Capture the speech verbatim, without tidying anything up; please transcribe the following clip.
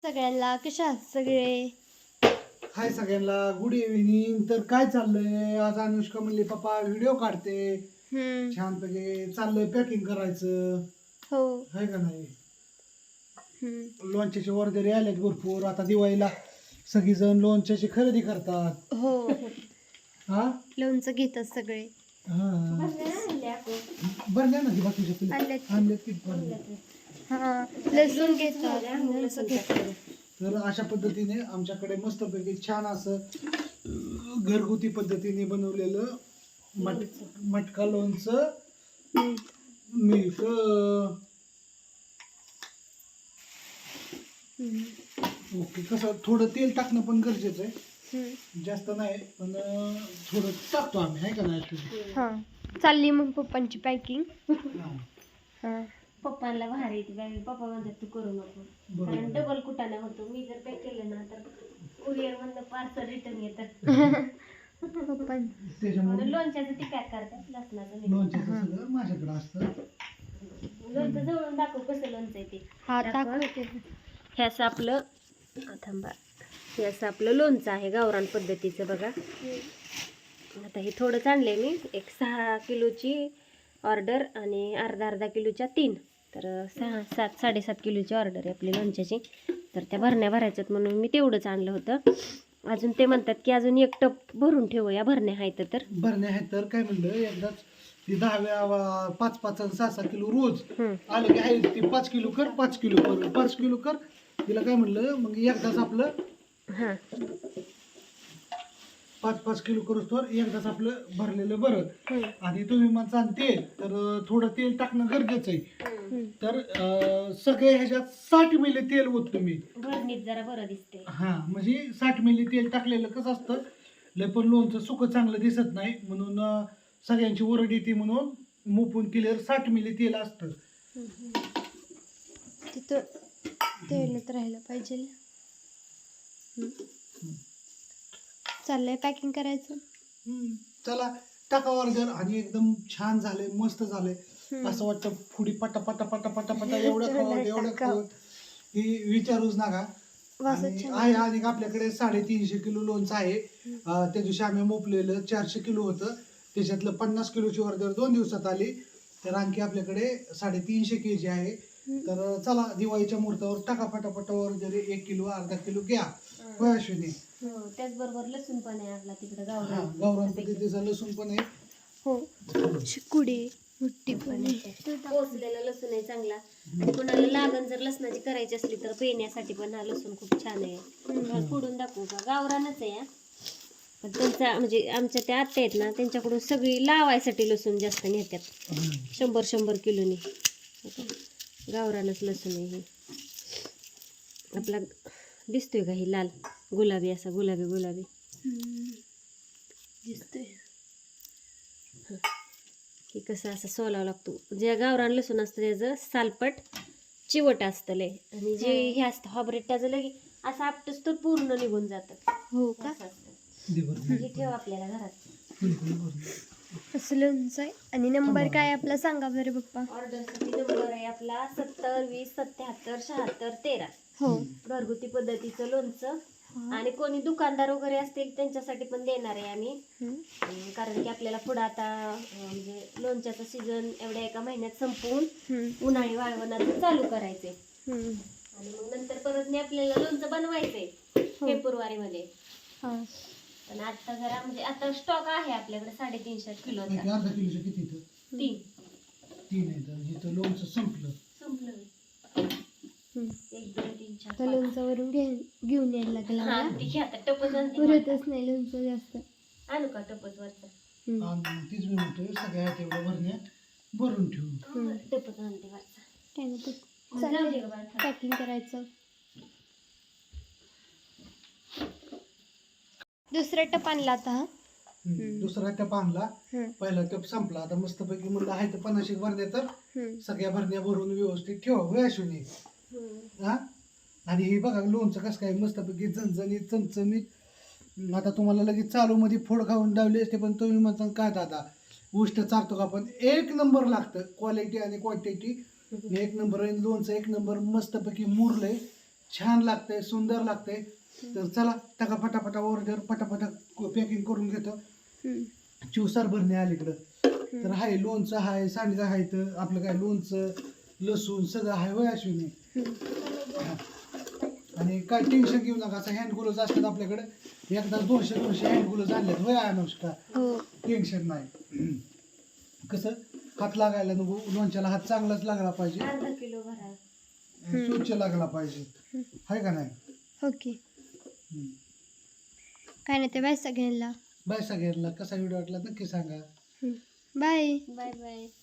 सगळ्यांना कशा आहात सगळे? हाय सगळ्यांना, गुड इव्हिनिंग. तर काय चाललंय आज? अनुष्का म्हणली पप्पा व्हिडिओ काढते, हम्म. छानपैकी चाललंय पॅकिंग करायचं, हो. है का नाही? हम्म. लोणच्याचे ऑर्डर आलेत भरपूर. आता दिवाळीला सगळीजण लोणच्याची खरेदी करतात. हो. हा लोणचं घेतात सगळे. हा बरं ना ती बाकीच्या पिल्ले आणलेत. आणलेत की भरले. हा, लसूण घेतात, लोणचं घेतात. तर अशा पद्धतीने आमच्याकडे मस्तपैकी छान असं अं, घरगुती पद्धतीने बनवलेलं मट मटका लोणचं हम्म. मिळत. हम्म. ओके. कसं थोडं तेल टाकणं पण गरजेचं आहे, हम्म. जास्त नाही पण अं, थोडं टाकतो आम्ही, आहे का नाही actually? हा, चालली मग पप्पांची पॅकिंग. हा. हा. पप्पांना भारी येते बाई. पप्पा म्हणतात तू करू नको, बरोबर. कारण डबल कुटाणा होतो. मी जर पॅक केलं ना तर कुरिअर मधनं पार्सल रिटर्न येतं. पप्पा त्याच्यामुळे म्हणून लोणच्याचं ती पॅक करतात, लसणाचं नाही. लोणच्याचं सगळं माझ्याकडे असतं. लोणचं जवळून दाखव कसं लोणचं आहे ते. हा दाखव. दाखवते. हे असं आपलं आ, थांबा हे असं आपलं लोणचं आहे गावरान पद्धतीचं बघा. आता हे थोडंच आणलंय मी, एक सहा किलोची ऑर्डर आणि अर्धा अर्धा किलोच्या तीन, तर सहा सात साडेसात किलोची ऑर्डर आहे आपली लोणच्याची. तर त्या भरण्या भरायच्यात म्हणून मी तेवढंच आणलं होतं. अजून ते म्हणतात की अजून एक टप भरून ठेवूया, भरण्या आहेत तर. भरणे आहे तर काय म्हणलं, एकदाच ती दहा वेळा पाच पाच आणि सहा सहा किलो रोज हम्म. आलं की आहे ती पाच किलो कर, पाच किलो कर, पाच किलो कर. तिला काय म्हणलं मग एकदाच आपलं हां पाच पाच किलो करूच तर एकदाच आपलं भरलेलं बरं. हम्म. आणि तुम्ही म्हणता तेल, तर अं, थोडं तेल टाकणं गरजेचं आहे. हम्म. तर अं, सगळे ह्याच्यात साठ मिली तेल होत तुम्ही. भरणीत जरा बरं दिसते. हा म्हणजे साठ मिली तेल टाकलेलं कसं असतं, लय पण लोणचं सुकं चांगलं दिसत नाही, म्हणून अं, सगळ्यांची ओरड येते म्हणून मुपून केल्यावर साठ मिली तेल असतं. तिथं तेलच राहायला पाहिजे. हम्म. चाललंय पॅकिंग करायचं. हम्म. चला टाका ऑर्डर. आणि एकदम छान झाले, मस्त झाले. हम्म. असं वाटतं पुढी पटा पटा पटा पटा पटा एवढं खावं एवढं खावं ही विचारूच नका. वासच आणि छान आहे आणि आपल्याकडे साडेतीनशे किलो लोणचं आहे. अं, त्या दिवशी आम्ही मोपलेलं चारशे किलो होतं, त्याच्यातलं पन्नास किलोची ऑर्डर दोन दिवसात आली. तर आणखी आपल्याकडे साडेतीनशे के जी आहे. तर चला दिवाळीच्या मुहूर्तावर टाका पटापटा ऑर्डर, एक किलो अर्धा किलो घ्या. होय अश्विनी? हो, त्याचबरोबर लसूण पण आहे आपला तिकडे हा, गावरान. गावरान पद्धतीचा लसूण पण आहे. हो. शिकुडी मुठ्ठी पण आहे. पोचलेला लसूण आहे चांगला. आणि कोणाला लागण जर लसणाची करायची असली तर पेण्यासाठी पण हा लसूण खूप छान आहे. तुम्हाला फोडून दाखवू का? गावरानच आहे हा. पण त्यांचा म्हणजे आमच्या त्या आत्या आहेत ना, त्यांच्याकडून सगळी लावायसाठी लसूण जास्त नेतात, शंभर शंभर किलोनी. गावरानच लसूण आहे हे. आपला दिसतोय का ही लाल गुलाबी, असा गुलाबी गुलाबी हम्म. दिसतोय. हे कसं असं सोलावं लागतो. जे गावरान लसूण असतं त्याचं सालपट चिवट असतं लय, आणि जे हे असतं हॉबरेट त्याचं लगे असं आपटच तर पूर्ण निघून जातं. हो का? असं असतं. दे बरं. हे ठेव आपल्याला घरात. बिलकुल बरं. असं लोणचं आहे. आणि नंबर काय आपला सांगा बरं पप्पा. ऑर्डरसाठी नंबर आहे आपला सत्तर वीस सत्याहत्तर शहात्तर तेरा. हो. घरगुती पद्धतीचं लोणचं. आणि कोणी दुकानदार वगैरे असतील त्यांच्यासाठी पण देणार आहे आम्ही. हम्म. अं, कारण की आपल्याला पुढं आता अं, म्हणजे लोणच्याचं सीझन एवढ्या एका महिन्यात संपवून हम्म. उन्हाळी वाळवणाचं चालू करायचंय. हम्म. आणि मग नंतर परत नाही आपल्याला लोणचं बनवायचंय फेब्रुवारी मध्ये. हा. पण आता जरा म्हणजे आता स्टॉक आहे आपल्याकडे साडेतीनशे किलोचा. नाही, अर्धा किलोचं किती इथं? तीन तीन आहे. तर इथं लोणचं संपलं. संपलं. हम्म. एक दोन तीन चार तर लोणचावरून घे घेऊन यायला लागला हा मला. ती घ्या आता टपच आणते. पुरतच नाही लोणचं जास्त. आणू का टपच वरचा? हम्म. आणि तीच मी म्हणतोय सगळ्या तेवढ्या भरण्या भरून ठेवू. हा, टपच आणते वरचा. काय नाही तर जाऊ दे चालेल गं बाळा. पॅकिंग करायचं. दुसरा टप आणला आता हा. हम्म. दुसरा टप आणला, हम्म. पहिला टप संपला. आता मस्तपैकी म्हणलं आहे तर पन्नाशी भरण्या, तर हम्म. सगळ्या भरण्या भरून व्यवस्थित ठेवा. होय अश्विनी? हम्म. हा. आणि हे बघा लोणचं कसं काय मस्तपैकी झणझणीत चमचमीत. आता तुम्हाला लगेच चालू मध्ये फोड खाऊन डावले असते, पण तुम्ही म्हणता काय दादा उष्ट चारतो का? पण एक नंबर लागतं, क्वालिटी आणि क्वांटिटी एक नंबर आहे. लोणचं एक नंबर मस्तपैकी मुरलंय, छान लागतंय, सुंदर लागतंय. तर चला टाका पटापटा ऑर्डर, पटापटा पॅकिंग करून घेतो. हम्म. चिवसार भरणे अलीकडं तर हाय, लोणचं हाय, सांडगा हाय, तर आपलं काय लोणचं लसूण सगळं हाय होय अश्विनी. हा. आणि काय टेन्शन घेऊ नका, असं हँड ग्लोव्ज असतात आपल्याकडे, एकदा दोनशे दोनशे हँड ग्लोव्ज आणलेत होय अनुष्का. हो. टेन्शन नाही. कसं हात लागायला नको, लोणच्याला हात चांगलाच लागला पाहिजे, अर्धा किलो भरा. स्वच्छ लागला पाहिजे, हाय का नाही. ओके. हम्म. काय नाही ते बाय सगळ्यांना. बाय सगळ्यांना. कसा व्हिडिओ वाटला नक्की सांगा. बाय. Bye bye.